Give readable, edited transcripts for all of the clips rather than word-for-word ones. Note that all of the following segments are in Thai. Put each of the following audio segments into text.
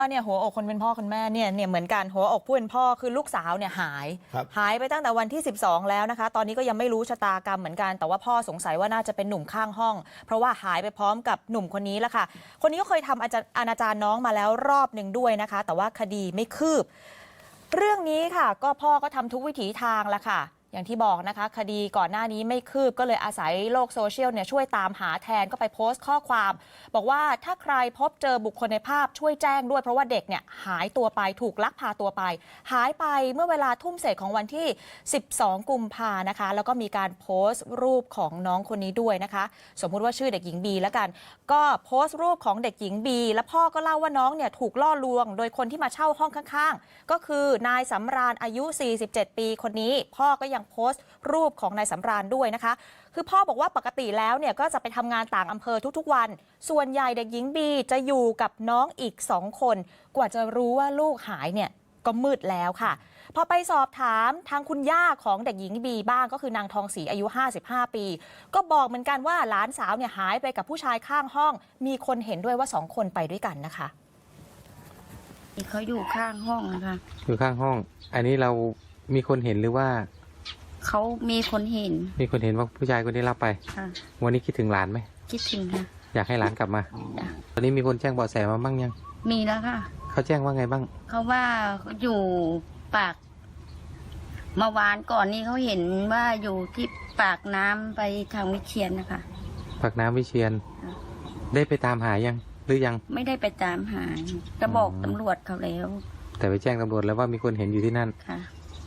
เนี่ยหัวอกคนเป็นพ่อคนแม่เนี่ยเหมือนกันหัวอกผู้เป็นพ่อคือลูกสาวเนี่ยหายไปตั้งแต่วันที่ 12แล้วนะคะตอนนี้ก็ยังไม่รู้ชะตากรรมเหมือนกันแต่ว่าพ่อสงสัยว่าน่าจะเป็นหนุ่มข้างห้องเพราะว่าหายไปพร้อมกับหนุ่มคนนี้แหละค่ะคนนี้ก็เคยทำอนาจารน้องมาแล้วรอบหนึ่งด้วยนะคะแต่ว่าคดีไม่คืบเรื่องนี้ค่ะก็พ่อก็ทำทุกวิถีทางแล้วค่ะอย่างที่บอกนะคะคดีก่อนหน้านี้ไม่คืบก็เลยอาศัยโลกโซเชียลเนี่ยช่วยตามหาแทนก็ไปโพสต์ข้อความบอกว่าถ้าใครพบเจอบุคคลในภาพช่วยแจ้งด้วยเพราะว่าเด็กเนี่ยหายตัวไปถูกลักพาตัวไปหายไปเมื่อเวลาทุ่มเศษของวันที่ 12 กุมภานะคะแล้วก็มีการโพสต์รูปของน้องคนนี้ด้วยนะคะสมมุติว่าชื่อเด็กหญิงบีแล้วกันก็โพสต์รูปของเด็กหญิงบีแล้วพ่อก็เล่าว่าน้องเนี่ยถูกล่อลวงโดยคนที่มาเช่าห้องข้างๆก็คือนายสำราญอายุ 47 ปีคนนี้พ่อก็ยังโพสต์รูปของนายสำราญด้วยนะคะคือพ่อบอกว่าปกติแล้วเนี่ยก็จะไปทำงานต่างอำเภอทุกๆวันส่วนใหญ่เด็กหญิงบีจะอยู่กับน้องอีก2 คนกว่าจะรู้ว่าลูกหายเนี่ยก็มืดแล้วค่ะพอไปสอบถามทางคุณย่าของเด็กหญิงบีบ้างก็คือนางทองศรีอายุ55 ปีก็บอกเหมือนกันว่าหลานสาวเนี่ยหายไปกับผู้ชายข้างห้องมีคนเห็นด้วยว่า2 คนไปด้วยกันนะคะเขาอยู่ข้างห้องนะคะอยู่ข้างห้องอันนี้เรามีคนเห็นหรือว่าเขามีคนเห็นว่าผู้ชายคนนี้รับไปวันนี้คิดถึงหลานไหมคิดถึงค่ะอยากให้หลานกลับมาตอนนี้มีคนแจ้งเบาะแสมาบ้างยังมีแล้วค่ะเขาแจ้งว่าไงบ้างเขาว่าอยู่ปากเมื่อวานก่อนนี้เขาเห็นว่าอยู่ที่ปากน้ำไปทางวิเชียรนะคะปากน้ำวิเชียรได้ไปตามหายังหรือยังไม่ได้ไปตามหาจะบอกตำรวจเขาแล้วแต่ไปแจ้งตำรวจแล้วว่ามีคนเห็นอยู่ที่นั่นค่ะ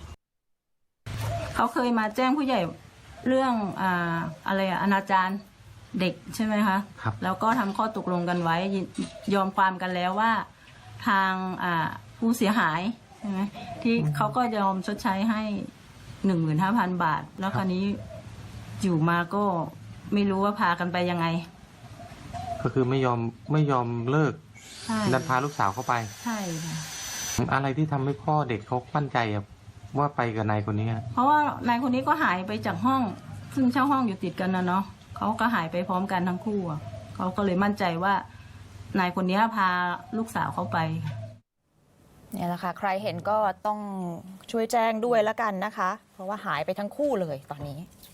เขาเคยมาแจ้งผู้ใหญ่เรื่องอะไรอนาจารเด็กใช่ไหมคะครับแล้วก็ทำข้อตกลงกันไว้ยอมความกันแล้วว่าทางผู้เสียหายใช่ไหมที่เขาก็ยอมชดใช้ให้ 15,000 บาทแล้วคราวนี้อยู่มาก็ไม่รู้ว่าพากันไปยังไงก็คือไม่ยอมเลิกดันพาลูกสาวเข้าไปใช่ค่ะอะไรที่ทำให้พ่อเด็กเขามั่นใจว่าไปกับนายคนนี้เพราะว่านายคนนี้ก็หายไปจากห้องซึ่งเช่าห้องอยู่ติดกันนะเนาะเขาก็หายไปพร้อมกันทั้งคู่เขาก็เลยมั่นใจว่านายคนนี้พาลูกสาวเขาไปเนี่ยแหละค่ะใครเห็นก็ต้องช่วยแจ้งด้วยแล้วกันนะคะเพราะว่าหายไปทั้งคู่เลยตอนนี้